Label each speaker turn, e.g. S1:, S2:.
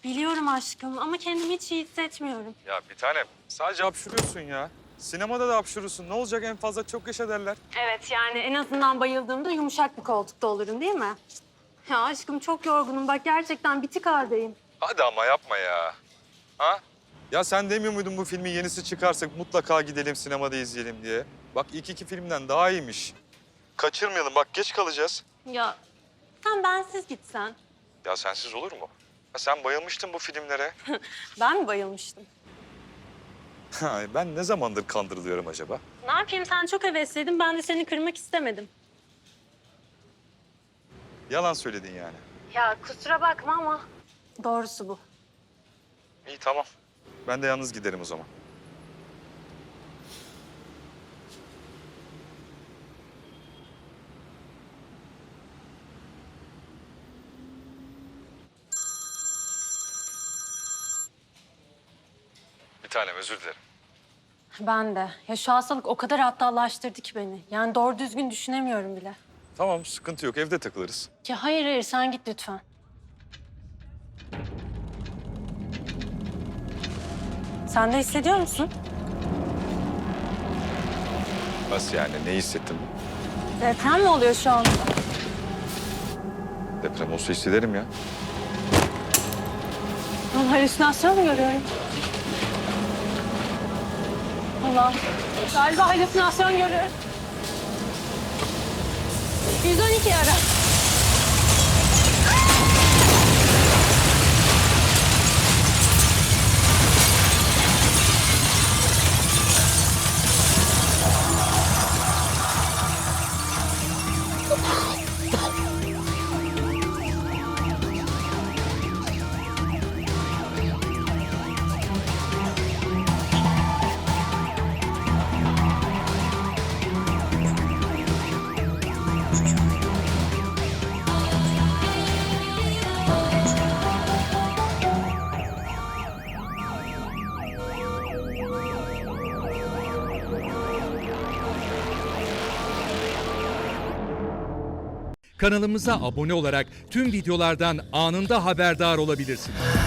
S1: Biliyorum aşkım ama kendimi hiç iyi hissetmiyorum.
S2: Ya bir tanem sadece hapşuruyorsun ya. Sinemada da hapşurursun. Ne olacak en fazla çok yaşa derler.
S1: Evet yani en azından bayıldığımda yumuşak bir koltukta olurum değil mi? Ya aşkım çok yorgunum bak gerçekten bitik haldeyim.
S2: Hadi ama yapma ya. Ha? Ya sen demiyor muydun bu filmin yenisi çıkarsa mutlaka gidelim sinemada izleyelim diye? Bak ilk iki filmden daha iyiymiş. Kaçırmayalım bak geç kalacağız.
S1: Ya sen bensiz gitsen.
S2: Ya sensiz olur mu? Ha, sen bayılmıştın bu filmlere.
S1: Ben mi bayılmıştım?
S2: Ben ne zamandır kandırılıyorum acaba?
S1: Ne yapayım sen çok hevesliydin ben de seni kırmak istemedim.
S2: Yalan söyledin yani.
S1: Ya kusura bakma ama doğrusu bu.
S2: İyi tamam. Ben de yalnız giderim o zaman. Bir tanem özür dilerim.
S1: Ben de. Ya şu hastalık o kadar aptallaştırdı ki beni. Yani doğru düzgün düşünemiyorum bile.
S2: Tamam sıkıntı yok evde takılırız.
S1: Ya hayır sen git lütfen. Sen de hissediyor musun?
S2: Nasıl yani ne hissettin?
S1: Deprem mi oluyor şu anda?
S2: Deprem olsa hissederim ya.
S1: Ben halüsinasyon mu görüyorum? Allah. Galiba halüsinasyon görüyorum. 112 ara.
S3: Kanalımıza abone olarak tüm videolardan anında haberdar olabilirsiniz.